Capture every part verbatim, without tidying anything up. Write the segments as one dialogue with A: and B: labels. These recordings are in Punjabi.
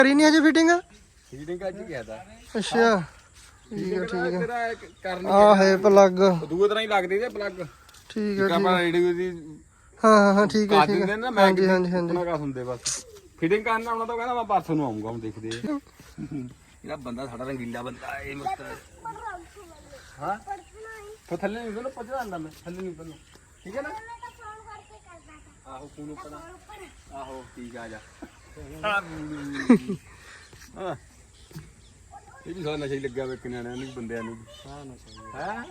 A: ਕਰੀ ਨਹੀਂ ਅਜੇ ਫਿਟਿੰਗ
B: ਫੀਡਿੰਗ ਅੱਜ ਗਿਆ ਤਾਂ
A: ਅੱਛਾ ਠੀਕ ਹੈ ਠੀਕ ਹੈ
B: ਤੇਰਾ ਕਰਨੀ
A: ਆ ਹੈ ਪਲੱਗ
B: ਦੂਏ ਤਰ੍ਹਾਂ ਹੀ ਲੱਗਦੇ ਤੇ ਪਲੱਗ
A: ਠੀਕ ਹੈ
B: ਆਪਾਂ ਰੇਡੀਓ ਦੀ
A: ਹਾਂ ਹਾਂ ਹਾਂ ਠੀਕ ਹੈ
B: ਕਾ
A: ਠੀਕ
B: ਦਿੰਦੇ
A: ਹੈ
B: ਨਾ ਮੈਂ
A: ਹਾਂਜੀ ਹਾਂਜੀ ਹਾਂਜੀ
B: ਉਹਨਾਂ ਕਾ ਹੁੰਦੇ ਬਸ ਫਿਟਿੰਗ ਕਰਨ ਆਉਣਾ ਤਾਂ ਕਹਿੰਦਾ ਮੈਂ ਪਰਸੋਂ ਨੂੰ ਆਉਂਗਾ ਹੁਣ ਦੇਖਦੇ ਆ ਇਹਦਾ ਬੰਦਾ ਸਾਡਾ ਰੰਗੀਲਾ ਬੰਦਾ ਇਹ ਮਸਤ ਹਾਂ तो थल्ले नहीं उतर पहुंचा आंदा मैं थल्ले नहीं उतरना ठीक है ना आहो फोन ऊपर आहो ठीक आ जा हां ये भी सारा नशा ही लगा वे कन्याणियां ਨੂੰ ਬੰਦਿਆਂ ਨੂੰ ਹਾਂ ਨਸ਼ਾ ਹੈ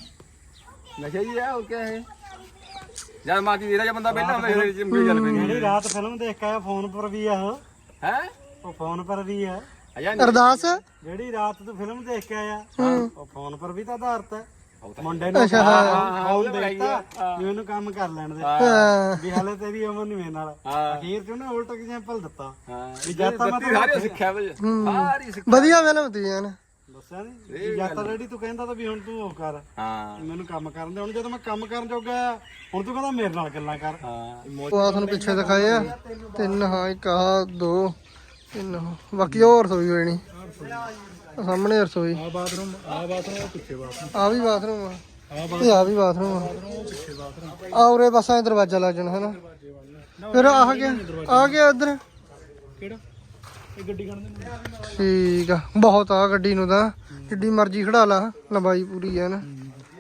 B: ਨਸ਼ਾ ਹੀ ਹੈ ਉਹ ਕੀ ਹੈ ਯਾਰ ਮਾਤੀ ਦੇਦਾ ਜਾਂ ਬੰਦਾ ਬੈਠਾ ਹੁੰਦਾ ਇਹਦੇ ਜਿੰਮ ਚੱਲ ਪੈਂਦੀ
C: ਜਿਹੜੀ ਰਾਤ ਫਿਲਮ ਦੇਖ ਕੇ ਆਇਆ ਫੋਨ ਪਰ ਵੀ ਆ ਉਹ
B: ਹੈ
C: ਉਹ ਫੋਨ ਪਰ ਵੀ ਆ
A: ਅਰਦਾਸ
C: ਜਿਹੜੀ ਰਾਤ ਤੂੰ ਫਿਲਮ ਦੇਖ ਕੇ ਆਇਆ ਉਹ ਫੋਨ ਪਰ ਵੀ ਤਾਂ ਆਧਾਰਤ ਹੈ ਮੁੰਡੇ ਨੂੰ
A: ਅੱਛਾ ਹਾਂ
C: ਫੋਨ ਦੇਖਤਾ ਵੀ ਉਹਨੂੰ ਕੰਮ ਕਰ ਲੈਣ ਦੇ
A: ਹਾਂ
C: ਵੀ ਹਾਲੇ ਤੇਰੀ ਉਮਰ ਨਹੀਂ ਮੇਰੇ ਨਾਲ ਅਖੀਰ ਚ ਉਹਨੇ ਉਲਟ ਐਗਜ਼ਾਮਪਲ ਦਿੱਤਾ
B: ਹਾਂ
C: ਵੀ ਜਦ ਤਾਂ ਮੈਂ
B: ਸਾਰੇ ਸਿੱਖਿਆ ਵੇ ਸਾਰੀ ਸਿੱਖਿਆ
A: ਵਧੀਆ ਫਿਲਮ ਤੀ ਯਾਰ
C: ਦੱਸਿਆ ਨਹੀਂ ਜਦ ਤਾਂ ਰੈਡੀ ਤੂੰ ਕਹਿੰਦਾ ਤਾਂ ਵੀ ਹੁਣ ਤੂੰ ਉਹ ਕਰ
B: ਹਾਂ
C: ਮੈਨੂੰ ਕੰਮ ਕਰਨ ਦੇ ਹੁਣ ਜਦੋਂ ਮੈਂ ਕੰਮ ਕਰਨ ਜੋਗਾ ਹੁਣ ਤੂੰ ਕਹਿੰਦਾ ਮੇਰੇ ਨਾਲ ਗੱਲਾਂ ਕਰ
B: ਹਾਂ
A: ਉਹ ਆ ਤੁਹਾਨੂੰ ਪਿੱਛੇ ਦਿਖਾਏ ਆ ਤਿੰਨ ਹਾਂ ਇੱਕ ਆ ਦੋ ਤਿੰਨ ਬਾਕੀ ਹੋਰ ਰਸੋਈ ਹੋਣੀ ਸਾਹਮਣੇ ਰਸੋਈ
C: ਆ ਬਾਥਰੂਮ ਆ ਬਾਥਰੂਮ ਪਿੱਛੇ ਬਾਥਰੂਮ
A: ਆ ਵੀ ਬਾਥਰੂਮ ਆ ਤੇ ਆ ਵੀ ਬਾਥਰੂਮ ਆ ਆ ਉਰੇ ਬਸ ਐ ਦਰਵਾਜ਼ਾ ਲੱਗ ਜਾਣਾ ਹੈ ਨਾ ਫਿਰ ਆ ਗਿਆ ਆ ਗਿਆ ਇੱਧਰ
C: ਕਿਹੜਾ ਇਹ ਗੱਡੀ ਕੱਢ ਦੇ
A: ਠੀਕ ਆ ਬਹੁਤ ਆ ਗੱਡੀ ਨੂੰ ਤਾਂ ਜਿੱਡੀ ਮਰਜ਼ੀ ਖੜਾ ਲਾ ਲੰਬਾਈ ਪੂਰੀ ਹੈ ਨਾ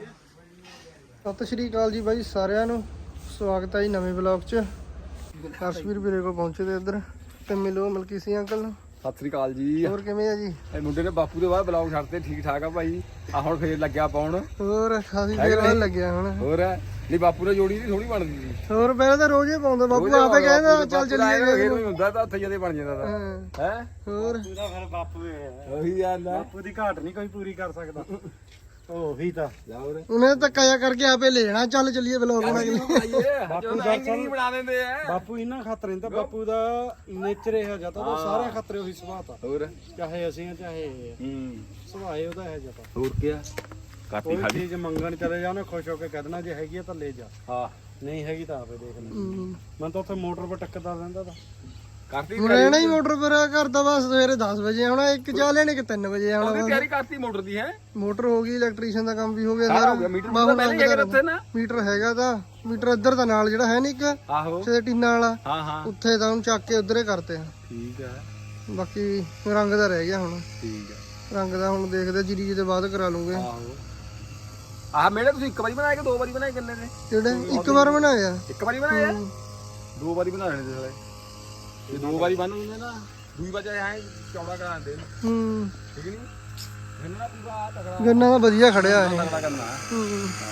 A: ਸਤਿ ਸ਼੍ਰੀ ਅਕਾਲ ਜੀ ਬਾਈ ਸਾਰਿਆਂ ਨੂੰ ਸਵਾਗਤ ਹੈ ਜੀ ਨਵੇਂ ਵਲੌਗ 'ਚ ਹਰਸ਼ਵੀਰ ਵੀਰੇ ਕੋਲ ਪਹੁੰਚੇ ਤੇ ਇੱਧਰ ਤੇ ਮਿਲੋ ਮਲਕੀ ਸਿੰਘ ਅੰਕਲ ਨੂੰ
B: ਸਤਿ ਸ੍ਰੀ ਅਕਾਲ ਜੀ
A: ਹੋਰ ਕਿਵੇਂ ਆ ਜੀ
B: ਇਹ ਮੁੰਡੇ ਨੇ ਬਾਪੂ ਦੇ ਬਾਅਦ ਬਲੌਗ ਛੱਡਤੇ ਠੀਕ ਠਾਕ ਆ ਭਾਈ ਆ ਹੁਣ ਫੇਰ ਲੱਗਿਆ ਪਾਉਣ
A: ਹੋਰ ਖਾਸੀ ਦੇਰ ਬਾਅਦ ਲੱਗਿਆ ਹੁਣ
B: ਹੋਰ ਨਹੀਂ ਬਾਪੂ ਨੇ ਜੋੜੀ ਦੀ ਥੋੜੀ ਬਣਦੀ ਸੀ
A: ਹੋਰ ਪਹਿਲਾਂ ਤਾਂ ਰੋਜ਼ ਹੀ ਪਾਉਂਦਾ ਬਾਪੂ ਆਪੇ ਕਹਿੰਦਾ ਚੱਲ ਚੱਲੀਏ
B: ਫੇਰ ਨਹੀਂ ਹੁੰਦਾ ਤਾਂ ਉੱਥੇ ਜਦੇ ਬਣ ਜਾਂਦਾ ਤਾਂ
A: ਹਾਂ
B: ਹੈ
A: ਹੋਰ
C: ਪੂਰਾ ਫਿਰ ਬਾਪੂ ਹੈ
B: ਉਹੀ ਗੱਲ ਆ
C: ਬਾਪੂ ਦੀ ਘਾਟ ਨਹੀਂ ਕੋਈ ਪੂਰੀ ਕਰ ਸਕਦਾ ਉਹੀ ਤਾਂ
B: ਜਾਉਰ
A: ਉਹਨੇ ਧੱਕਾ ਜਿਹਾ ਕਰਕੇ ਆਪੇ ਲੈ ਜਾਣਾ ਚੱਲ ਚੱਲੀਏ ਬਲੌਗ ਬਣਾ ਕੇ
B: ਬਾਪੂ ਦਾ ਨਹੀਂ ਬਣਾ ਦਿੰਦੇ ਆ
C: ਬਾਪੂ ਇਹਨਾਂ ਖਾਤਰ ਨਹੀਂ ਤਾਂ ਬਾਪੂ ਦਾ ਨੇਚਰ ਇਹ ਜਿਹਾ ਤਾਂ ਸਾਰਿਆਂ ਖਾਤਰ ਉਹੀ ਸੁਭਾਅ ਤਾਂ
B: ਹੋਰ
C: ਚਾਹੇ ਅਸੀਂ ਆ ਚਾਹੇ ਇਹ ਆ।
B: ਹੂੰ
C: ਸੁਭਾਅ ਉਹਦਾ ਇਹ ਜਿਹਾ ਤਾਂ
B: ਹੋਰ ਕੀ ਆ ਕਾਪੀ
C: ਕੋਈ
B: ਖਾਲੀ
C: ਚੀਜ਼ ਮੰਗਣ ਚਲੇ ਜਾ ਉਹਨੇ ਖੁਸ਼ ਹੋ ਕੇ ਕਹਿ ਦੇਣਾ ਜੇ ਹੈਗੀ ਆ ਤਾਂ ਲੈ ਜਾ
B: ਹਾਂ
C: ਨਹੀਂ ਹੈਗੀ ਤਾਂ ਆਪੇ ਦੇਖ ਲੈ
A: ਹੂੰ।
C: ਮੈਂ ਤਾਂ ਉੱਥੇ ਮੋਟਰ 'ਤੇ ਟੱਕਦਾ ਰਹਿੰਦਾ ਤਾਂ
B: ਕਾਪੀ
A: ਰਹਿਣਾ ਹੀ ਮੋਟਰ ਪਰ ਕਰਦਾ ਬਸ ਸਵੇਰੇ ਦਸ ਵਜੇ ਆਉਣਾ ਇੱਕ ਚਾਹ ਲੈਣੇ ਕਿ ਤਿੰਨ ਵਜੇ ਆਉਣਾ
B: ਉਹਦੀ ਤਿਆਰੀ ਕਰਤੀ ਮੋਟਰ ਦੀ ਹੈ
A: ਮੋਟਰ ਹੋ ਗਈ ਇਲੈਕਟ੍ਰੀਸ਼ੀਅਨ ਦਾ ਕੰਮ ਵੀ ਹੋ ਗਿਆ
B: ਸਾਰਾ
A: ਸਾਰਾ
B: ਹੋ ਗਿਆ ਮੀਟਰ ਤਾਂ ਪਹਿਲੇ ਹੀ ਹੈਗਾ ਉੱਥੇ ਨਾ
A: ਮੀਟਰ ਹੈਗਾ ਤਾਂ ਮੀਟਰ ਇੱਧਰ ਦਾ ਨਾਲ ਜਿਹੜਾ ਹੈ ਨਹੀਂ ਇੱਕ
B: ਆਹੋ
A: ਤੇ ਟੀਨਾ ਵਾਲਾ
B: ਹਾਂ ਹਾਂ
A: ਉੱਥੇ ਤਾਂ ਉਹਨੂੰ ਚੱਕ ਕੇ ਉਧਰੇ ਕਰਤੇ ਆ
B: ਠੀਕ ਆ
A: ਬਾਕੀ ਰੰਗ ਦਾ ਰਹਿ ਗਿਆ ਹੁਣ
B: ਠੀਕ ਆ
A: ਰੰਗ ਦਾ ਹੁਣ ਦੇਖਦੇ ਜੀਰੀ ਜੀ ਦੇ ਬਾਅਦ ਕਰਾ ਲੂਗੇ
B: ਆਹੋ ਆਹ ਮੇਰੇ ਤੁਸੀਂ ਇੱਕ ਵਾਰੀ ਬਣਾਏ ਕਿ ਦੋ ਵਾਰੀ ਬਣਾਏ ਕਿੰਨੇ ਨੇ
A: ਜਿਹੜੇ ਇੱਕ ਵਾਰ ਬਣਾਇਆ
B: ਇੱਕ ਵਾਰੀ ਬਣਾਏ ਆ ਦੋ ਵਾਰੀ ਬਣਾ ਲੈਣੇ ਤੇ ਇਹ ਦੋ ਵਾਰੀ ਬਣ ਹੁੰਦੇ ਨਾ ਦੂਈ ਵਾਰ ਐ ਚੌੜਾ ਕਰਾ ਦਿੰਦੇ
A: ਹੂੰ
B: ਠੀਕ ਨਹੀਂ ਇਹਨਾਂ ਦਾ ਪੂਰਾ ਤਕੜਾ
A: ਗੰਨਾ ਤਾਂ ਵਧੀਆ ਖੜਿਆ ਇਹ
B: ਤਕੜਾ ਕਰਨਾ
A: ਹੂੰ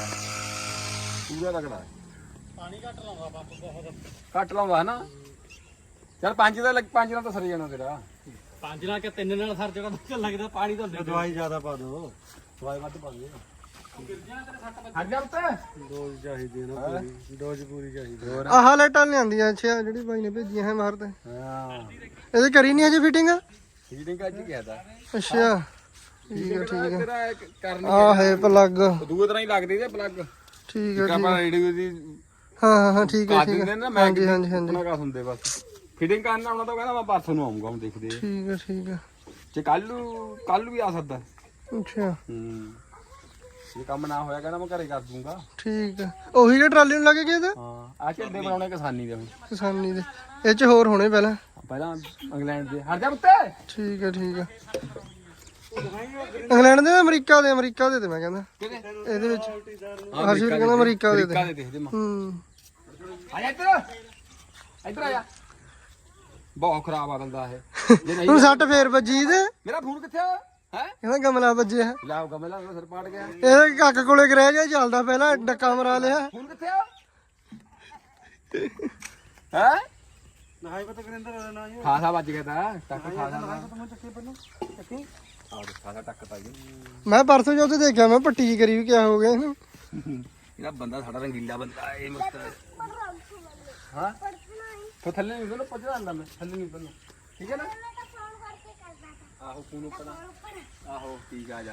B: ਪੂਰਾ ਤਕੜਾ
C: ਪਾਣੀ ਘੱਟ ਲਾਉਂਦਾ ਬਾਪੂ ਬਹੁਤ
B: ਕੱਟ ਲਾਉਂਦਾ ਹਨਾ ਚਲ ਪੰਜ ਦਾ ਲੱਗ ਪੰਜ ਨਾਲ ਤਾਂ ਸਰ ਜਾਣਾ ਤੇਰਾ
C: ਪੰਜ ਨਾਲ ਕਿ ਤਿੰਨ ਨਾਲ ਸਰ ਜਿਹੜਾ ਚੱਲ ਲੱਗਦਾ ਪਾਣੀ ਤਾਂ ਦਵਾਈ ਜ਼ਿਆਦਾ ਪਾ ਦੋ
B: ਦਵਾਈ ਵੱਧ ਪਾ ਦੇ ਹਟ ਜਾ ਉੱਤੇ
C: ਡੋਜ਼ ਚਾਹੀਦੀ ਹੈ ਨਾ ਪੂਰੀ ਡੋਜ਼ ਪੂਰੀ ਚਾਹੀਦੀ
B: ਹੋਰ
A: ਆਹ ਲਾਈਟਾਂ ਲਿਆਂਦੀਆਂ ਅੱਛਾ ਜਿਹੜੀ ਬਾਈ ਨੇ ਭੇਜੀਆਂ ਹੈ ਮਾਰ ਤੇ
B: ਹਾਂ
A: ਇਹਦੇ ਕਰੀ ਨਹੀਂ ਅਜੇ ਫਿਟਿੰਗ
B: ਫੀਡਿੰਗ ਅੱਜ ਗਿਆ ਤਾਂ
A: ਅੱਛਾ ਠੀਕ ਹੈ ਠੀਕ ਹੈ
B: ਤੇਰਾ ਕਰਨੀ
A: ਆ ਹੈ ਪਲੱਗ
B: ਦੂਏ ਤਰ੍ਹਾਂ ਹੀ ਲੱਗਦੇ ਤੇ ਪਲੱਗ
A: ਠੀਕ ਹੈ
B: ਆਪਾਂ ਰੇਡੀਓ ਦੀ
A: ਹਾਂ ਹਾਂ ਹਾਂ ਠੀਕ ਹੈ
B: ਕਾ
A: ਠੀਕ
B: ਦਿੰਦੇ
A: ਹੈ
B: ਨਾ ਮੈਂ
A: ਹਾਂਜੀ ਹਾਂਜੀ ਹਾਂਜੀ
B: ਉਹਨਾਂ ਕਾ ਹੁੰਦੇ ਬਸ ਫਿਟਿੰਗ ਕਰਨ ਆਉਣਾ ਤਾਂ ਕਹਿੰਦਾ ਮੈਂ ਪਰਸੋਂ ਨੂੰ ਆਉਂਗਾ ਹੁਣ ਦੇਖਦੇ ਆ
A: ਠੀਕ ਹੈ ਠੀਕ ਹੈ
B: ਜੇ ਕੱਲ ਨੂੰ ਕੱਲ ਨੂੰ ਵੀ ਆ ਸਕਦਾ
A: ਅੱਛਾ
B: ਹੂੰ ਇਹ ਕੰਮ ਨਾ ਹੋਇਆ ਕਹਿੰਦਾ ਮੈਂ ਘਰੇ ਕਰ ਦੂੰਗਾ
A: ਠੀਕ ਹੈ ਉਹੀ ਜਿਹੜਾ ਟਰਾਲੀ ਨੂੰ ਲੱਗੇ ਗਿਆ ਤਾਂ
B: ਹਾਂ ਆ ਝੰਡੇ ਬਣਾਉਣੇ ਕਿਸਾਨੀ ਦੇ ਹੁਣ
A: ਕਿਸਾਨੀ ਦੇ ਇਹ ਚ ਹੋਰ ਹੋਣੇ ਪਹਿਲਾਂ
B: ਪਹਿਲਾਂ ਇੰਗਲੈਂਡ ਦੇ ਹਟ ਜਾ ਉੱਤੇ
A: ਠੀਕ ਹੈ ਠੀਕ ਹੈ ਇੰਗਲੈਂਡ ਦੇ ਅਮਰੀਕਾ ਦੇ ਅਮਰੀਕਾ ਦੇ ਤੇ ਮੈਂ ਕਹਿੰਦਾ ਇਹਦੇ ਵਿੱਚ ਹਰਸ਼ੀਰ ਕਹਿੰਦਾ ਅਮਰੀਕਾ ਦੇ ਤੇ
B: ਅਮਰੀਕਾ ਦੇ ਦੇਖਦੇ ਮਾਂ
A: ਹੂੰ
B: ਆ ਜਾ ਇੱਧਰ ਇੱਧਰ ਆ ਜਾ ਬਹੁਤ ਖਰਾਬ ਆ ਬੰਦਾ ਇਹ ਜੇ ਨਹੀਂ
A: ਹੁਣ ਸੱਟ ਫੇਰ ਵੱਜੀ ਤੇ
B: ਮੇਰਾ ਫੋਨ ਕਿੱਥੇ ਆ ਹੈ
A: ਕਹਿੰਦਾ ਗਮਲਾ ਵੱਜਿਆ
B: ਲਾਓ ਗਮਲਾ ਸਿਰ ਪਾੜ ਗਿਆ
A: ਇਹਦੇ ਕੱਕ ਕੋਲੇ ਗਰਹਿ ਗਿਆ ਚੱਲਦਾ ਪਹਿਲਾਂ ਡੱਕਾ ਮਰਾ ਲਿਆ
B: ਫੋਨ ਕਿੱਥੇ ਆ ਹੈ
C: ਨਹਾਈ ਪਤਾ ਕਰਿੰਦਰ ਨਾ ਜੀ
B: ਖਾਸਾ ਵੱਜ ਗਿਆ ਤਾਂ ਟੱਕ ਖਾਸਾ
C: ਮੈਂ ਚੱਕੇ ਪਹਿਲਾਂ ਚੱਕੀ
B: ਆ ਦੇ ਖਾਸਾ ਟੱਕ ਤਾਂ ਜੀ
A: ਮੈਂ ਪਰਸੋਂ ਜੋ ਉੱਥੇ ਦੇਖਿਆ ਮੈਂ ਪੱਟੀ ਜੀ ਕਰੀ ਵੀ ਕਿਆ ਹੋ ਗਿਆ ਇਹਨੂੰ
B: ਇਹਦਾ ਬੰਦਾ ਸਾਡਾ ਰੰਗੀਲਾ ਬੰਦਾ ਇਹ ਮਸਤ ਹਾਂ तो थल्ले नहीं उतरना पहुंचा आंदा मैं थल्ले नहीं उतरना ठीक है ना आहो फोन ऊपर आहो ठीक आ जा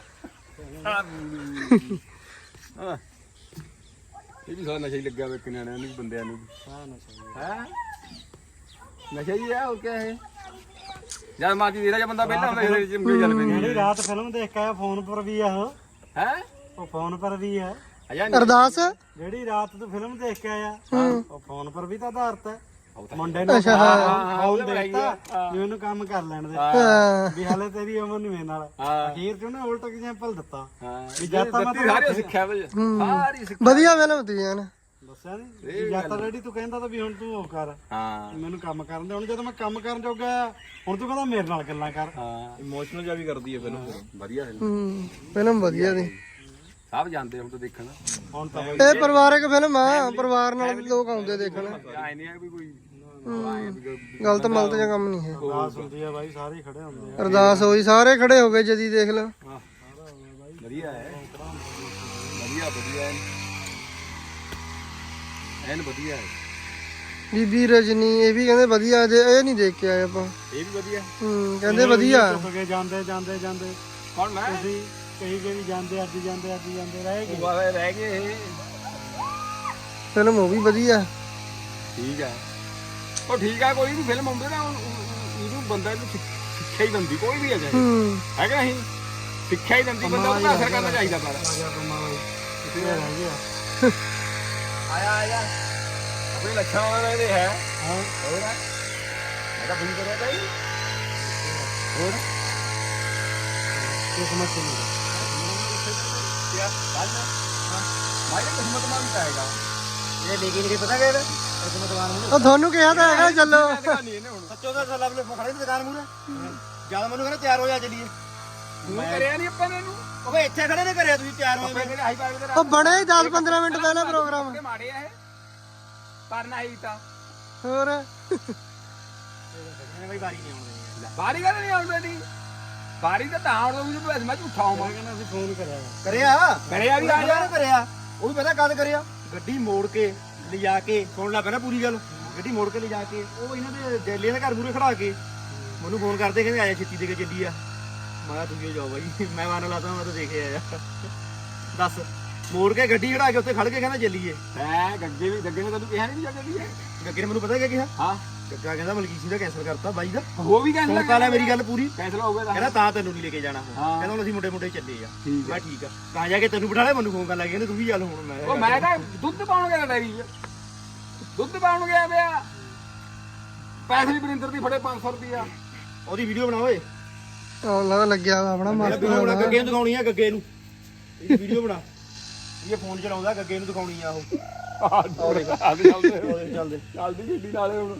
B: हां ये भी सारा नशा ही लगा वे कन्याणियां ਨੂੰ ਬੰਦਿਆਂ ਨੂੰ
C: ਹਾਂ ਨਸ਼ਾ
B: ਹੈ ਨਸ਼ਾ ਹੀ ਹੈ ਉਹ ਕੀ ਹੈ ਜਦ ਮਾਜੀ ਦੇਦਾ ਜੇ ਬੰਦਾ ਪਹਿਲਾਂ ਹੁੰਦਾ ਇਹਦੇ ਚਿੰਬੜੀ ਚੱਲ ਪੈਂਦੀ
C: ਜਿਹੜੀ ਰਾਤ ਫਿਲਮ ਦੇਖ ਕੇ ਆਇਆ ਫੋਨ ਪਰ ਵੀ ਆ ਉਹ
B: ਹੈ
C: ਉਹ ਫੋਨ ਪਰ ਵੀ ਹੈ
B: ਅਜਾ
A: ਅਰਦਾਸ
C: ਜਿਹੜੀ ਰਾਤ ਤੂੰ ਫਿਲਮ ਦੇਖ ਕੇ ਆਇਆ ਉਹ ਫੋਨ ਪਰ ਵੀ ਤਾਂ ਆਧਾਰਤ ਹੈ
B: ਉਹ ਤਾਂ
C: ਮੁੰਡੇ ਨੂੰ
A: ਅੱਛਾ, ਹਾਂ।
C: ਫੋਨ ਦੇਤਾ ਵੀ ਉਹਨੂੰ ਕੰਮ ਕਰ ਲੈਣ ਦੇ
A: ਹਾਂ
C: ਵੀ ਹਾਲੇ ਤੇਰੀ ਉਮਰ ਨਹੀਂ ਮੇਰੇ ਨਾਲ
B: ਹਾਂ।
C: ਅਖੀਰ ਚ ਉਹਨੇ ਉਲਟ ਐਗਜ਼ਾਮਪਲ ਦਿੱਤਾ
B: ਹਾਂ
C: ਵੀ ਜਦ ਤਾਂ ਮੈਂ
B: ਦਿੱਤੀ ਸਾਰੀ ਸਿੱਖਿਆ ਵੇ ਸਾਰੀ ਸਿੱਖਿਆ
A: ਵਧੀਆ ਫਿਲਮ ਹੁੰਦੀ ਹੈ ਨਾ
C: ਦੱਸਿਆ ਨਹੀਂ ਜਦ ਤਾਂ ਰੈਡੀ ਤੂੰ ਕਹਿੰਦਾ ਤਾਂ ਵੀ ਹੁਣ ਤੂੰ ਉਹ ਕਰ
B: ਹਾਂ
C: ਮੈਨੂੰ ਕੰਮ ਕਰਨ ਦੇ ਹੁਣ ਜਦੋਂ ਮੈਂ ਕੰਮ ਕਰਨ ਜੋਗਾ ਆ, ਹੁਣ ਤੂੰ ਕਹਿੰਦਾ ਮੇਰੇ ਨਾਲ ਗੱਲਾਂ ਕਰ
B: ਹਾਂ ਇਮੋਸ਼ਨਲ ਜਿਹਾ ਵੀ ਕਰਦੀ ਹੈ ਫਿਲਮ ਵਧੀਆ ਫਿਲਮ
A: ਹੂੰ ਫਿਲਮ ਵਧੀਆ ਦੀ
B: ਸਭ ਜਾਂਦੇ ਹੁਣ ਤਾਂ ਦੇਖਣ
C: ਹੁਣ ਤਾਂ ਬਈ
A: ਇਹ ਪਰਿਵਾਰਕ ਫਿਲਮ ਆ ਪਰਿਵਾਰ ਨਾਲ ਵੀ ਲੋਕ ਆਉਂਦੇ ਦੇਖਣ
B: ਆਏ ਨਹੀਂ ਆ ਵੀ ਕੋਈ
A: ਗਲਤ ਮਲਤ ਜਿਹਾ ਕੰਮ ਨਹੀਂ ਹੈ
C: ਅਰਦਾਸ ਹੁੰਦੀ ਆ ਬਾਈ ਸਾਰੇ ਹੀ ਖੜੇ ਹੁੰਦੇ ਆ
A: ਅਰਦਾਸ ਹੋਈ ਸਾਰੇ ਖੜੇ ਹੋ ਗਏ ਜਦੀ ਦੇਖ ਲਾ
B: ਵਧੀਆ ਹੈ ਵਧੀਆ ਵਧੀਆ ਐਨ ਵਧੀਆ ਹੈ
A: ਬੀਬੀ ਰਜਨੀ ਇਹ ਵੀ ਕਹਿੰਦੇ ਵਧੀਆ ਜੇ ਇਹ ਨਹੀਂ ਦੇਖ ਕੇ ਆਏ ਆਪਾਂ
B: ਇਹ ਵੀ ਵਧੀਆ
A: ਹੂੰ ਕਹਿੰਦੇ ਵਧੀਆ
C: ਚੁੱਕ ਕੇ ਜਾਂਦੇ ਜਾਂਦੇ ਜਾਂਦੇ
B: ਕੌਣ ਮੈਂ
C: ਤੁਸੀਂ ਕਹੀ ਗਏ ਵੀ ਜਾਂਦੇ ਅੱਜ ਜਾਂਦੇ ਅੱਜ ਜਾਂਦੇ ਰਹਿ ਗਏ
B: ਉਹ ਰਹਿ ਗਏ ਇਹ
A: ਫਿਲਮ ਉਹ ਵੀ ਵਧੀਆ
B: ਠੀਕ ਹੈ ਉਹ ਠੀਕ ਹੈ ਕੋਈ ਵੀ ਫਿਲਮ ਆਉਂਦੀ ਨਾ ਉਹਨੂੰ ਬੰਦਾ ਇਹਨੂੰ ਸਿੱਖਿਆ ਹੀ ਦਿੰਦੀ ਕੋਈ ਵੀ ਆ ਜਾਏ
A: ਹੂੰ
B: ਹੈ ਕਿ ਨਹੀਂ ਸਿੱਖਿਆ ਹੀ ਦਿੰਦੀ ਬੰਦਾ ਉਹਦਾ ਅਸਰ ਕਰਨਾ ਚਾਹੀਦਾ ਪਰ
C: ਕਿੱਥੇ ਰਹਿ ਗਿਆ
B: ਆਇਆ ਆਇਆ ਆਪਣੇ ਲੱਛਣ ਵਾਲੇ ਦੇ ਹੈ
C: ਹਾਂ
B: ਹੋਰ ਮੈਂ ਤਾਂ ਫੋਨ ਕਰਿਆ ਬਾਈ ਹੋਰ
C: ਕਿਸਮਤ ਨਹੀਂ
B: ਕਿਆ ਬਾਤ ਹੈ ਮਾਈ ਕਿਸਮਤ ਮਾਂ ਵੀ ਆਏਗਾ
C: ਇਹ ਲੇਕਿਨ ਕੀ ਪਤਾ ਕਿਹੜਾ ਕਿਸਮਤ ਵਾਲਾ ਨੂੰ
A: ਉਹ ਤੁਹਾਨੂੰ ਕਿਹਾ ਤਾਂ ਹੈਗਾ ਚੱਲੋ
B: ਨਹੀਂ ਇਹਨੇ ਹੁਣ
C: ਸੱਚੋ ਦਾ ਸਲਾਬ ਲੈ ਖੜੇ ਦੀ ਦੁਕਾਨ ਮੂਰੇ ਜਿਆਦਾ ਮੈਨੂੰ ਕਹਿੰਦਾ ਤਿਆਰ ਹੋ ਜਾ ਚੱਲੀਏ
B: ਤੂੰ ਕਰਿਆ ਨਹੀਂ ਆਪਾਂ ਨੇ ਇਹਨੂੰ
C: ਉਹ ਬਈ ਇੱਥੇ ਖੜੇ ਨੇ ਕਰਿਆ ਤੁਸੀਂ ਤਿਆਰ ਹੋ
B: ਆਪਣੇ ਹਾਈ ਪਾਈ ਦੇ
A: ਉਹ ਬਣੇ ਹੀ ਦਸ ਪੰਦਰਾਂ ਮਿੰਟ ਪਹਿਲਾਂ ਪ੍ਰੋਗਰਾਮ
B: ਰਾਤ ਮਾੜੇ ਆ ਇਹ ਪਰ ਨਹੀਂ ਤਾਂ
A: ਹੋਰ
C: ਬਈ ਵਾਰੀ ਨਹੀਂ ਆਉਂਦੀ
B: ਬਾਰੀ ਗੱਲ ਨਹੀਂ ਆਉਂਦੀ ਨਹੀਂ ਬਾਰੀ ਤਾਂ ਤਾਂ ਆਉਂਦਾ ਵੀ ਤੂੰ ਮੈਂ ਝੂਠਾ ਹੋਵਾਂ
C: ਕਹਿੰਦਾ ਅਸੀਂ ਫੋਨ ਕਰਿਆ
D: ਕਰਿਆ
B: ਕਰਿਆ ਵੀ ਆ ਜਾ
D: ਕਰਿਆ ਉਹ ਵੀ ਪਤਾ ਕਦ ਕਰਿਆ ਗੱਡੀ ਮੋੜ ਕੇ ਲਿਜਾ ਕੇ ਸੁਣ ਲਾ ਪਹਿਲਾਂ ਪੂਰੀ ਗੱਲ ਗੱਡੀ ਮੋੜ ਕੇ ਲਿਜਾ ਕੇ ਉਹ ਇਹਨਾਂ ਦੇ ਜੈਲੀਆਂ ਦੇ ਘਰ ਮੂਰੇ ਖੜਾ ਕੇ ਮੈਨੂੰ ਫੋਨ ਕਰਦੇ ਕਹਿੰਦੇ ਆਇਆ ਛੇਤੀ ਦੇ ਕੇ ਚੱਲੀ ਆ ਮੈਂ ਕਿਹਾ ਤੁਸੀਂ ਜਾਓ ਬਾਈ ਮੈਂ ਮਨ ਲਾਤਾ ਮੈਂ ਤਾਂ ਦੇਖੇ ਆਇਆ ਦੱਸ ਮੋੜ ਕੇ ਗੱਡੀ ਖੜਾ ਕੇ ਉੱਥੇ ਖੜ ਕੇ ਕਹਿੰਦਾ ਚੱਲੀਏ
B: ਹੈ ਗੱਗੇ ਵੀ ਗੱਗੇ ਨੇ ਤੈਨੂੰ ਕਿਹਾ ਨਹੀਂ ਵੀ ਜਾ ਕੇ
D: ਗੱਗੇ ਨੇ ਮੈਨੂੰ ਪਤਾ ਕਿਆ ਕਿਹਾ
B: ਹਾਂ
D: ਗੱਗਾ ਕਹਿੰਦਾ ਮਲਕੀਸੀ ਦਾ ਕੈਂਸਲ ਕਰਤਾ ਬਾਈ ਦਾ
B: ਉਹ ਵੀ ਕੈਂਸਲ
D: ਸੁਣ ਲੈ ਮੇਰੀ ਗੱਲ ਪੂਰੀ
B: ਕੈਂਸਲ ਹੋ ਗਿਆ
D: ਕਹਿੰਦਾ ਤਾਂ ਤੈਨੂੰ ਨਹੀਂ ਲੈ ਕੇ ਜਾਣਾ ਹੁਣ
B: ਹਾਂ।
D: ਕਹਿੰਦਾ ਹੁਣ ਅਸੀਂ ਮੁੰਡੇ ਮੁੰਡੇ ਚੱਲੇ ਆ
B: ਠੀਕ
D: ਮੈਂ ਠੀਕ ਆ ਤਾਂ ਜਾ ਕੇ ਤੈਨੂੰ ਬਿਠਾ ਲਿਆ ਮੈਨੂੰ ਫੋਨ ਕਰਨ ਲੱਗ ਕਹਿੰਦੇ ਤੂੰ ਵੀ ਚੱਲ ਹੁਣ ਮੈਂ
B: ਉਹ ਮੈਂ ਤਾਂ ਦੁੱਧ ਪਾਉਣ ਗਿਆ ਡੈਰੀ 'ਚ ਦੁੱਧ ਪਾਉਣ ਗਿਆ ਪਿਆ ਪੈਸੇ ਵੀ ਬਰਿੰਦਰ ਦੀ ਫੜੇ ਪੰਜ ਸੌ ਰੁਪਿਆ
D: ਉਹਦੀ ਵੀਡੀਓ ਬਣਾ ਓਏ
A: ਉਹ ਲੱਗਾ ਲੱਗਿਆ ਵਾ ਆਪਣਾ ਮਸਤ
D: ਵੀਡੀਓ ਬਣਾ
A: ਹੋਣਾ।
D: ਗੱਗੇ ਨੂੰ ਦਿਖਾਉਣੀ ਆ ਗੱਗੇ ਨੂੰ ਇਹਦੀ ਵੀਡੀਓ ਬਣਾ ਇਹ ਫੋਨ ਚਲਾਉਂਦਾ ਗੱਗੇ ਨੂੰ ਦਿਖਾਉਣੀ ਆ ਉਹ
B: ਆਹ ਚੱਲਦੇ
D: ਉਹਦੇ ਚੱਲਦੇ
B: ਚੱਲਦੀ ਗੱਡੀ ਨਾਲੇ ਹੁਣ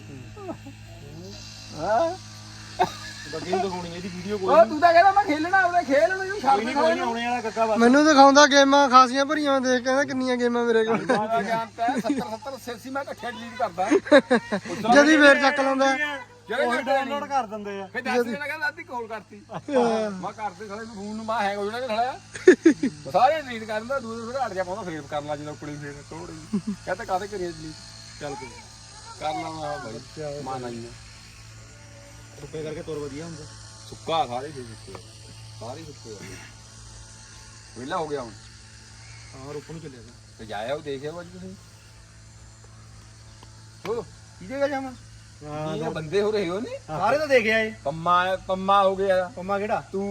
B: ਹਾਂ
D: ਗੱਗੇ ਨੂੰ ਦਿਖਾਉਣੀ ਆ ਇਹਦੀ ਵੀਡੀਓ ਕੋਈ
B: ਉਹ ਤੂੰ ਤਾਂ ਕਹਿੰਦਾ ਮੈਂ ਖੇਲਣਾ ਉਹਦੇ ਖੇਲ ਨੂੰ ਛੱਡ
D: ਨਹੀਂ ਕੋਈ ਨਹੀਂ ਆਉਣੇ ਵਾਲਾ ਗੱਗਾ ਬਸ
A: ਮੈਨੂੰ ਦਿਖਾਉਂਦਾ ਗੇਮਾਂ ਖਾਸੀਆਂ ਭਰੀਆਂ ਦੇਖ ਕਹਿੰਦਾ ਕਿੰਨੀਆਂ ਗੇਮਾਂ ਮੇਰੇ ਕੋਲ
B: ਮਾਰਾ ਜਾਣਦਾ ਸੱਤਰ ਸੱਤਰ ਸੈਸੀ ਮੈਂ ਇਕੱਠੇ ਡਿਲੀਟ ਕਰਦਾ
A: ਜਦੀ ਫੇਰ ਚੱਕ ਲਾਉਂਦਾ
B: ਜਿਹੜੇ
C: ਉਹ
B: ਘੱਟ
C: ਡਾਊਨਲੋਡ ਕਰ ਦਿੰਦੇ ਆ
B: ਫੇ ਦੱਸ ਜਣਾ ਕਹਿੰਦਾ ਅੱਧੀ ਕਾਲ ਕਰਤੀ ਮੈਂ ਕਰਦੇ ਸਾਲੇ ਨੂੰ ਫੋਨ ਨੂੰ ਮਾ ਹੈਂਗ ਹੋ ਜਾਣਾ ਕਿ ਸਾਲਿਆ ਸਾਰੇ ਡਿਲੀਟ ਕਰ ਦਿੰਦਾ ਦੂਜੇ ਫਿਰ ਹਟ ਜਾ ਪਾਉਂਦਾ ਫੇਰ ਕਰਨ ਲੱਗ ਜਦੋਂ ਕੁੜੀ ਫੇਰ ਤੋੜੀ ਕਹਿੰਦਾ ਕਾਹਦੇ ਕਰੀਏ ਡਿਲੀਟ ਚੱਲ ਕੋਈ ਕਰ ਲਾਂਗਾ ਭਾਈ ਮਾਨਾ ਹੀ
D: ਸੁੱਕੇ ਕਰਕੇ ਤੁਰ ਵਧੀਆ ਹੁੰਦਾ
B: ਸੁੱਕਾ ਸਾਰੇ ਫੇਰ ਸੁੱਕੇ ਸਾਰੇ ਸੁੱਕੇ ਵਿਹਲਾ ਹੋ ਗਿਆ ਹੁਣ
D: ਹਾਂ ਰੁੱਕ ਨੂੰ ਚੱਲਿਆ
B: ਤੇ ਜਾਇਆ ਉਹ ਦੇਖਿਆ ਅੱਜ ਤੁਸੀਂ ਹੋ
D: ਕੀ ਜਗ੍ਹਾ ਜਾਵਾਂ
B: ਇਹ ਬੰਦੇ ਹੋ ਰਹੇ ਹੋ ਨਹੀਂ
D: ਸਾਰੇ ਤਾਂ ਦੇਖਿਆ ਏ
B: ਪੰਮਾ ਪੰਮਾ ਹੋ ਗਿਆ
D: ਪੰਮਾ ਕਿਹੜਾ
B: ਤੂੰ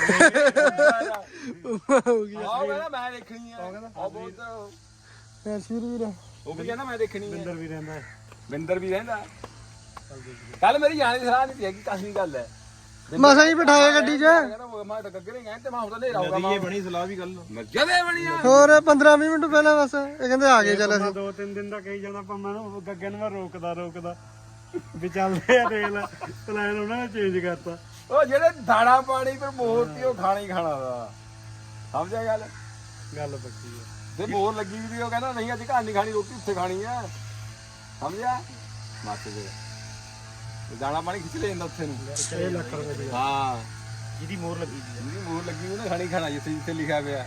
A: ਹੋ ਗਿਆ
B: ਆਹ ਕਹਿੰਦਾ ਮੈਂ ਦੇਖਣੀ ਆ ਉਹ ਬਹੁਤ
A: ਐਸ਼ਵੀਰ ਵੀਰ
B: ਉਹ ਵੀ ਕਹਿੰਦਾ ਮੈਂ ਦੇਖਣੀ
C: ਅੰਦਰ
B: ਹੈ
C: ਵੀ ਰਹਿੰਦਾ ਹੈ।
B: ਬਿੰਦਰ ਵੀ ਰਹਿੰਦਾ ਕੱਲ ਮੇਰੀ ਜਾਣ ਦੀ ਸਲਾਹ ਨਹੀਂ ਸੀ ਹੈਗੀ ਕਾਸੀ ਗੱਲ ਹੈ
A: ਮਸਾਂ ਹੀ ਬਿਠਾਇਆ ਗੱਡੀ 'ਚ
B: ਕਹਿੰਦਾ ਮੈਂ ਤਾਂ ਗੱਗਰੇ ਗਏ ਤੇ ਮੈਂ ਹੁਣ ਤਾਂ ਲੈ ਆਊਗਾ ਮੈਂ
D: ਬਣੀ ਸਲਾਹ ਵੀ ਗੱਲ
B: ਜਦੇ ਬਣੀ ਆ
A: ਹੋਰ ਪੰਦਰਾਂ ਵੀਹ ਮਿੰਟ ਪਹਿਲਾਂ ਬਸ ਇਹ ਕਹਿੰਦੇ ਆ ਗਏ ਚੱਲ ਅਸੀਂ
C: ਦੋ ਤਿੰਨ ਦਿਨ ਦਾ ਕਹੀ ਜਾਣਾ ਪਰ ਮੈਨੂੰ ਗੱਗੇ ਨੂੰ ਮੈਂ ਰੋਕਦਾ ਰੋਕਦਾ ਵੀ ਚੱਲਦੇ ਆ ਦੇਖ ਲੈ ਪਲਾਨ ਉਹਨਾਂ ਨੇ ਚੇਂਜ ਕਰਤਾ
B: ਉਹ ਜਿਹੜੇ ਦਾਣਾ ਪਾਣੀ ਪਰ ਮੋਹਤੀ ਉਹ ਖਾਣਾ ਹੀ ਖਾਣਾ ਦਾ ਸਮਝਿਆ ਗੱਲ
C: ਗੱਲ ਪੱਕੀ ਆ
B: ਤੇ ਬੋਰ ਲੱਗੀ ਵੀ ਉਹ ਕਹਿੰਦਾ ਨਹੀਂ ਅੱਜ ਘਰ ਨਹੀਂ ਖਾਣੀ ਰੋਟੀ ਉੱਥੇ ਖਾਣੀ ਆ ਸਮਝਿਆ ਮਾਤੇ ਦੇ ਦਾਣਾ ਪਾਣੀ ਖਿੱਚ ਲੈ ਜਾਂਦਾ ਉੱਥੇ ਨੂੰ
C: ਛੇ ਲੱਖ ਰੁਪਏ ਦੀ
B: ਹਾਂ
D: ਜਿਹਦੀ ਮੋਹਰ ਲੱਗੀ ਦੀ
B: ਜਿਹਦੀ ਮੋਹਰ ਲੱਗੀ ਉਹਨੇ ਖਾਣੀ ਖਾਣਾ ਜਿੱਥੇ ਜਿੱਥੇ ਲਿਖਿਆ ਪਿਆ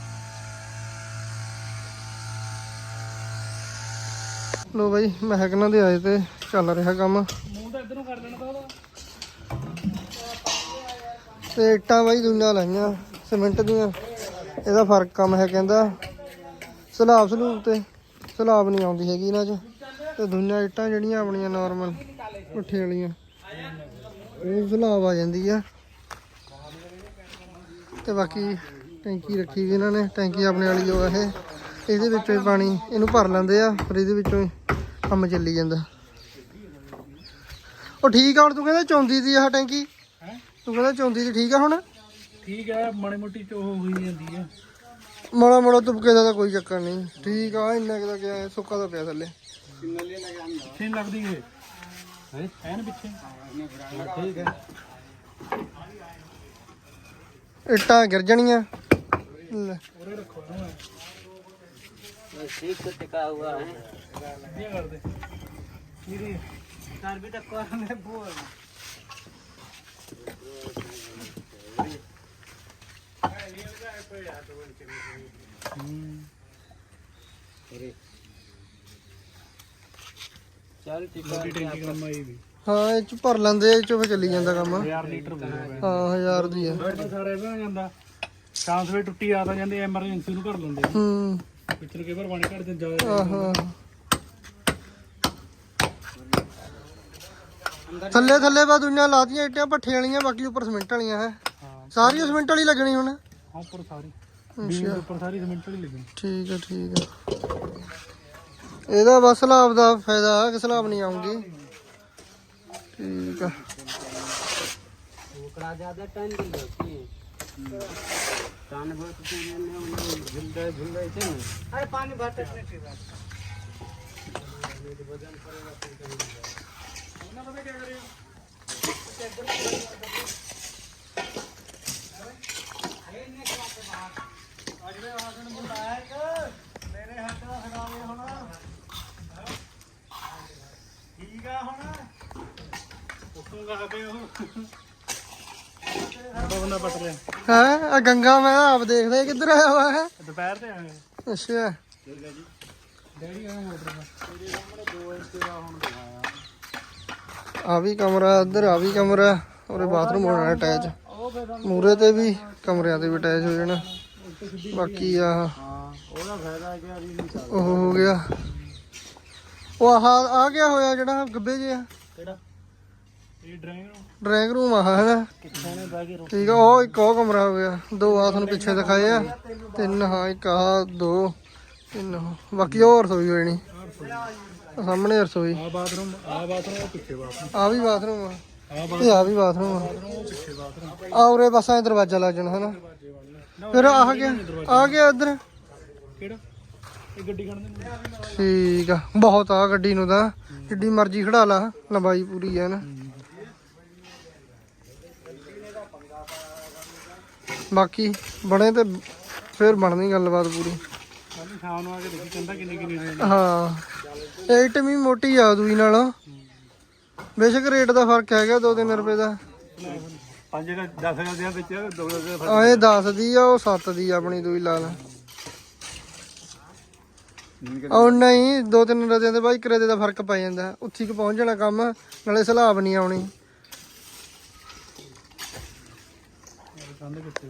A: ਲੋ ਬਾਈ ਮਹਿਕਨਾਂ ਦੇ ਆਏ ਤੇ ਚੱਲ ਰਿਹਾ ਕੰਮ
C: ਮੂੰਹ ਤਾਂ ਇਧਰੋਂ ਕਰ ਦੇਣਾ ਤਾਂ ਉਹਦਾ
A: ਤੇ ਇੱਟਾਂ ਬਾਈ ਦੁਨੀਆਂ ਲਾਈਆਂ ਸੀਮੈਂਟ ਦੀਆਂ ਇਹਦਾ ਫਰਕ ਕੰਮ ਹੈ ਕਹਿੰਦਾ ਸਲਾਬ ਸਲੂਬ ਤੇ ਸਲਾਬ ਨਹੀਂ ਆਉਂਦੀ ਹੈਗੀ ਇਹਨਾਂ 'ਚ ਤੇ ਦੁਨੀਆਂ ਇੱਟਾਂ ਜਿਹੜੀਆਂ ਆਪਣੀਆਂ ਨਾਰਮਲ ਪੁੱਠੇ ਵਾਲੀਆਂ ਉਹ ਸਲਾਬ ਆ ਜਾਂਦੀ ਆ। ਤੇ ਬਾਕੀ ਟੈਂਕੀ ਰੱਖੀ ਵੀ ਇਹਨਾਂ ਨੇ, ਟੈਂਕੀ ਆਪਣੇ ਵਾਲੀ ਜੋ ਆ ਇਹ, ਇਹਦੇ ਵਿੱਚੋਂ ਹੀ ਪਾਣੀ ਇਹਨੂੰ ਭਰ ਲੈਂਦੇ ਆ, ਫਿਰ ਇਹਦੇ ਵਿੱਚੋਂ ਹੀ ਕੰਮ ਚੱਲੀ ਜਾਂਦਾ। ਉਹ ਠੀਕ ਆ ਹੁਣ, ਤੂੰ ਕਹਿੰਦਾ ਚੌਂਦੀ ਦੀ ਆਹ ਟੈਂਕੀ, ਤੂੰ ਕਹਿੰਦਾ ਚੌਂਦੀ ਦੀ ਠੀਕ ਆ ਹੁਣ?
C: ਠੀਕ ਹੈ, ਮਾੜੀ ਮੋਟੀ ਚੋ ਹੋਈ ਜਾਂਦੀ ਆ।
A: ਮਾੜਾ ਮਾੜਾ ਤੁਪਕੇ ਦਾ ਤਾਂ ਕੋਈ ਚੱਕਰ ਨਹੀਂ, ਠੀਕ ਆ। ਇੰਨਾ ਕੁ ਦਾ ਕਿਆ ਸੁੱਕਾ ਦਾ ਪਿਆ ਥੱਲੇ।
C: ਪਿੱਛੇ ਨੀ ਲੱਗਦੀ ਇਹ ਹੈ ਐਨ ਪਿੱਛੇ। ਠੀਕ ਹੈ,
A: ਇੱਟਾਂ ਗਿਰ ਜਾਣੀਆਂ। ਲੈ
C: ਉਰੇ ਰੱਖੋ ਨਾ
B: ठीक तो टिका हुआ है।
C: ਇਹ ਕਰਦੇ ਇਹਦੀ
B: तार भी तक को में बोल चल टिका
C: ਮੋਟੀ ਟੈਂਕੀ ਕੰਮ ਆਈ ਵੀ
A: ਹਾਂ, ਇਹ ਚ ਭਰ ਲੈਂਦੇ, ਇਹ ਚੋਂ ਫਿਰ ਚੱਲੀ ਜਾਂਦਾ ਕੰਮ।
C: ਹਜ਼ਾਰ ਲੀਟਰ ਬੋਲ
A: ਹਾਂ ਹਜ਼ਾਰ ਦੀ ਆ।
C: ਸਾਰੇ ਵੀ ਹੋ ਜਾਂਦਾ, ਚਾਂਸ ਵੇ ਟੁੱਟੀ ਆ ਤਾਂ ਜਾਂਦੇ, ਐਮਰਜੈਂਸੀ ਨੂੰ ਕਰ ਲੈਂਦੇ ਆ।
A: ਹੂੰ
C: ਪਿੱਛੇ ਕਈ ਵਾਰ ਪਾਣੀ ਘੜ ਜਾਂਦਾ।
A: ਆਹੋ ਥੱਲੇ ਥੱਲੇ ਬਾ ਦੁਨੀਆ ਲਾਤੀਆਂ ਇੱਟਾਂ ਭੱਠੇ ਵਾਲੀਆਂ, ਬਾਕੀ ਉੱਪਰ ਸੀਮੈਂਟ ਵਾਲੀਆਂ ਹੈ।
C: ਹਾਂ
A: ਸਾਰੀਆਂ ਸੀਮੈਂਟ ਵਾਲੀ ਲੱਗਣੀ ਹੁਣ।
C: ਹਾਂ ਉੱਪਰ ਸਾਰੀ ਬੀਮ ਦੇ ਉੱਪਰ ਸਾਰੀ ਸਿਮੈਂਟ ਵਾਲੀ ਲੱਗੀ।
A: ਠੀਕ ਆ ਠੀਕ ਆ। ਇਹਦਾ ਬਸ ਸਲਾਬ ਦਾ ਫਾਇਦਾ ਕਿ ਸਲਾਬ ਨਹੀਂ ਆਉਂਗੀ। ਠੀਕ ਆ।
B: ओकरा ज्यादा टाइम दी होती है टान बहुत से ने झुलदे झुलदे छे ने अरे पानी भरते नहीं थी वजन करेगा फिर ना पता क्या करियो अरे ने क्या के बाहर आज में हाथ में बुलाया कि मेरे हाथ में हरावे होना ठीक है होना
C: ਉੱਤੋਂ ਗਾ ਕੇ ਉਹ ਬੰਦਾ ਪਟ ਰਿਹਾ।
A: ਹੈ ਆ ਗੰਗਾ, ਮੈਂ ਆਪ ਦੇਖਦਾ ਇਹ ਕਿੱਧਰ ਆਇਆ ਵਾ ਹੈ।
C: ਦੁਪਹਿਰ ਤੇ ਆਏ
A: ਅੱਛਾ
C: ਡੈਡੀ ਆ ਮੋਟਰ ਦਾ ਤੇਰੇ ਸਾਹਮਣੇ ਦੋ ਇੰਚ ਦਾ ਹੁਣ ਦਿਖਾਇਆ।
A: ਆ ਵੀ ਕਮਰਾ, ਇੱਧਰ ਆ ਵੀ ਕਮਰਾ, ਔਰ ਬਾਥਰੂਮ ਹੋਣਾ ਅਟੈਚ।
C: ਉਹ ਫਿਰ
A: ਮੂਰੇ ਤੇ ਵੀ ਕਮਰਿਆਂ ਤੇ ਵੀ ਅਟੈਚ ਹੋ ਜਾਣਾ। ਬਾਕੀ ਆ
C: ਹਾਂ ਉਹਦਾ ਫਾਇਦਾ ਕਿ ਅਭੀ ਨਹੀਂ ਚੱਲਦਾ।
A: ਉਹ ਹੋ ਗਿਆ, ਉਹ ਆਹ ਆ ਗਿਆ ਹੋਇਆ ਜਿਹੜਾ ਗੱਬੇ ਜਿਹਾ
C: ਕਿਹੜਾ ਇਹ ਡਰਾਇੰਗ ਰੂਮ
A: ਡਰਾਇੰਗ ਰੂਮ ਆ ਹੈ ਨਾ।
C: ਕਿੱਥੇ ਨੇ ਬਹਿ ਕੇ ਰੋ
A: ਠੀਕ ਆ। ਉਹ ਇੱਕ ਉਹ ਕਮਰਾ ਹੋ ਗਿਆ, ਦੋ ਆ ਤੁਹਾਨੂੰ ਪਿੱਛੇ ਦਿਖਾਏ ਆ, ਤਿੰਨ ਹਾਂ, ਇੱਕ ਆ ਦੋ ਤਿੰਨ ਉਹ। ਬਾਕੀ ਹੋਰ ਰਸੋਈ ਹੋਈ ਨਹੀਂ, ਸਾਹਮਣੇ ਰਸੋਈ।
C: ਆ ਬਾਥਰੂਮ ਆ ਬਾਥਰੂਮ ਉਹ ਪਿੱਛੇ ਬਾਥਰੂਮ
A: ਆ ਵੀ ਬਾਥਰੂਮ ਆ,
C: ਆ
A: ਇਹ ਆ ਵੀ ਬਾਥਰੂਮ ਆ।
C: ਉਹ ਪਿੱਛੇ ਬਾਥਰੂਮ
A: ਆ ਉਰੇ ਬਸ ਐ ਦਰਵਾਜ਼ਾ ਲੱਗ ਜਾਣਾ ਹਨਾ। ਫਿਰ ਆ ਗਿਆ ਆ ਗਿਆ ਇੱਧਰ।
C: ਕਿਹੜਾ ਇਹ ਗੱਡੀ ਖੜਨ ਦੇ
A: ਠੀਕ ਆ, ਬਹੁਤ ਆ ਗੱਡੀ ਨੂੰ ਤਾਂ, ਜਿੱਡੀ ਮਰਜ਼ੀ ਖੜਾ ਲਾ, ਲੰਬਾਈ ਪੂਰੀ ਆ ਨਾ। ਬਾਕੀ ਬਣੇ ਤੇ ਫਿਰ ਬਣਨੀ ਗੱਲਬਾਤ ਪੂਰੀ।
C: ਕੱਲ ਸ਼ਾਮ ਨੂੰ ਆ ਕੇ ਦੇਖੀ ਕਹਿੰਦਾ ਕਿੰਨੀ ਕਿੰਨੀ ਹੋਈ।
A: ਹਾਂ ਏਟ ਵੀ ਮੋਟੀ ਆ ਦੂਈ ਨਾਲੋਂ, ਬੇਸ਼ੱਕ ਰੇਟ ਦਾ ਫਰਕ ਹੈਗਾ ਦੋ ਤਿੰਨ ਰੁਪਏ ਦਾ।
C: ਪੰਜ ਦਾ ਦਸ ਹਜ਼ਾਰ ਦੇ ਵਿੱਚ ਦੋ ਹਜ਼ਾਰ
A: ਆ ਇਹ ਦਸ ਦੀ ਆ, ਉਹ ਸੱਤ ਦੀ ਆ ਆਪਣੀ ਦੂਈ ਲਾ ਲਾ। ਉਹ ਨਹੀਂ, ਦੋ ਤਿੰਨ ਰੁਪਏ ਦੇ ਬਾਈ ਕਰੇਦੇ ਦਾ ਫਰਕ ਪੈ ਜਾਂਦਾ, ਉੱਥੀ ਕੁ ਪਹੁੰਚ ਜਾਣਾ ਕੰਮ, ਨਾਲੇ ਸਲਾਬ ਨਹੀਂ ਆਉਣੀ।
C: ਕੰਧ ਕਿੱਥੇ